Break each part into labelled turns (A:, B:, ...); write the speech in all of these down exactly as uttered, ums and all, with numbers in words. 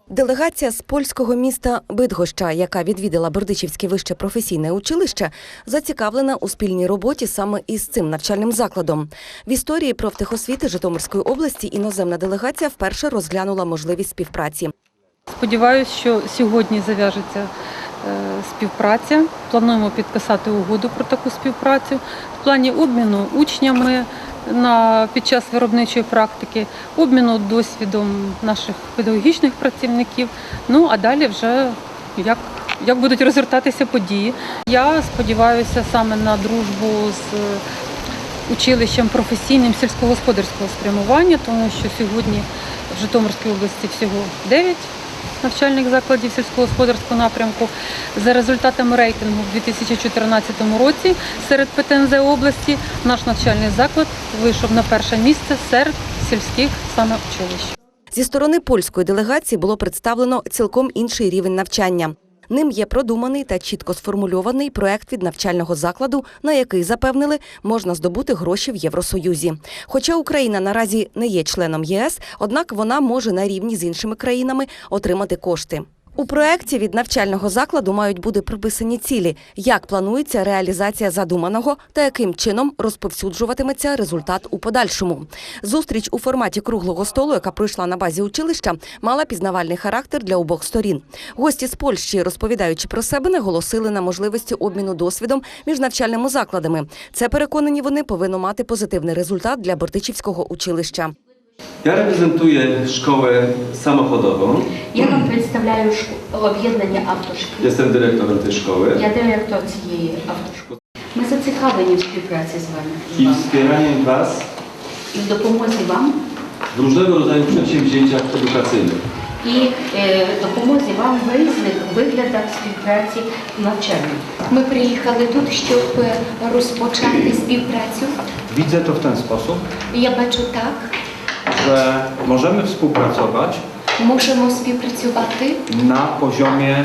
A: Делегація з польського міста Бидгоща, яка відвідала Бердичівське вище професійне училище, зацікавлена у спільній роботі саме із цим навчальним закладом. В історії профтехосвіти Житомирської області іноземна делегація вперше розглянула можливість співпраці.
B: Сподіваюся, що сьогодні зав'яжеться співпраця. Плануємо підписати угоду про таку співпрацю в плані обміну учнями на, під час виробничої практики, обміну досвідом наших педагогічних працівників, ну а далі вже як, як будуть розгортатися події. Я сподіваюся саме на дружбу з училищем професійним сільськогосподарського спрямування, тому що сьогодні в Житомирській області всього дев'ять навчальних закладів сільськогосподарського напрямку. За результатами рейтингу в дві тисячі чотирнадцятому році серед Пе Те Ен Зе області наш навчальний заклад вийшов на перше місце серед сільських саме училищ.
A: Зі сторони польської делегації було представлено цілком інший рівень навчання. Ним є продуманий та чітко сформульований проект від навчального закладу, на який, запевнили, можна здобути гроші в Євросоюзі. Хоча Україна наразі не є членом Є Ес, однак вона може на рівні з іншими країнами отримати кошти. У проєкті від навчального закладу мають бути прописані цілі, як планується реалізація задуманого та яким чином розповсюджуватиметься результат у подальшому. Зустріч у форматі круглого столу, яка пройшла на базі училища, мала пізнавальний характер для обох сторін. Гості з Польщі, розповідаючи про себе, наголосили на можливості обміну досвідом між навчальними закладами. Це, переконані вони, повинно мати позитивний результат для Бердичівського училища.
C: Я reprezentuję szkołę samochodową.
D: Я вам представляю об'єднання автошкіл.
C: Jestem dyrektorem tej szkoły.
D: Я директор цієї автошколи. Ми зацікавлені в співпраці з вами.
C: I wspieraniem Was
D: І в допомозі вам.
C: w różnego rodzaju przedsięwzięciach edukacyjnych.
D: І е, допомозі вам в різних виглядах співпраці навчальної. Ми приїхали тут, щоб розпочати співпрацю.
E: Widzę to w ten sposób,
D: Я бачу так,
E: że możemy współpracować
D: можемо співпрацювати
E: na poziomie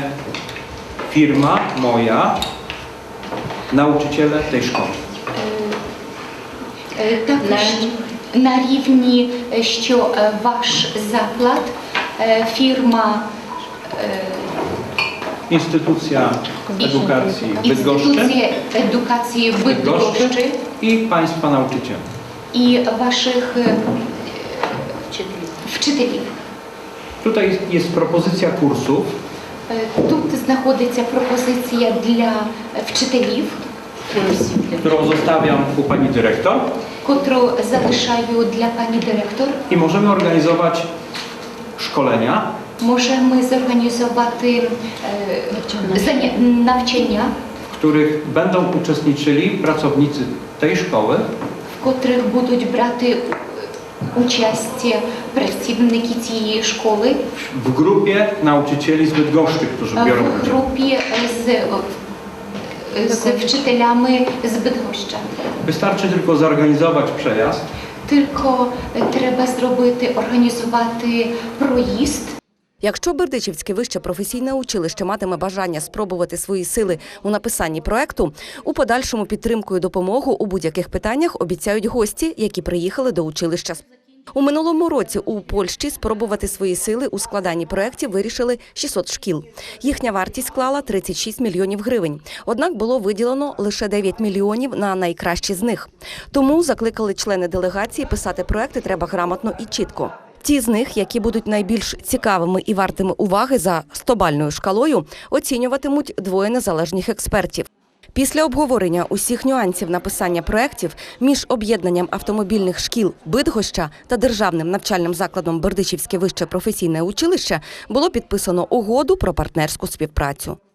E: firma moja, nauczyciele tej szkoły.
D: е, також на рівні, що е, ваш заклад, е, фірма, е,
E: Instytucja Edukacji Bydgoszczy
D: інституція едукації Бидгощі
E: i Państwa nauczycieli.
D: і ваших е, вчителів.
E: Tutaj jest propozycja kursów,
D: Е, Тут знаходиться пропозиція для вчителів,
E: którą zostawiam u Pani Dyrektor
D: котру залишаю для пані директор.
E: i możemy organizować szkolenia,
D: Можемо зорганізувати е, заня- навчання,
E: w których będą uczestniczyli pracownicy tej szkoły
D: в котрих будуть брати участь працівники цієї школи
E: w grupie nauczycieli z Bydgoszczy, którzy biorą
D: в
E: udział.
D: групі з, з вчителями з Бидгоща.
E: Wystarczy tylko zorganizować przejazd,
D: Тільки треба зробити, організувати проїзд.
A: Якщо Бердичівське вище професійне училище матиме бажання спробувати свої сили у написанні проекту, у подальшому підтримку і допомогу у будь-яких питаннях обіцяють гості, які приїхали до училища. У минулому році у Польщі спробувати свої сили у складанні проєктів вирішили шістсот шкіл. Їхня вартість склала тридцять шість мільйонів гривень. Однак було виділено лише дев'ять мільйонів на найкращі з них. Тому закликали члени делегації писати проекти треба грамотно і чітко. Ті з них, які будуть найбільш цікавими і вартими уваги за стобальною шкалою, оцінюватимуть двоє незалежних експертів. Після обговорення усіх нюансів написання проєктів між об'єднанням автомобільних шкіл Бидгоща та державним навчальним закладом Бердичівське вище професійне училище було підписано угоду про партнерську співпрацю.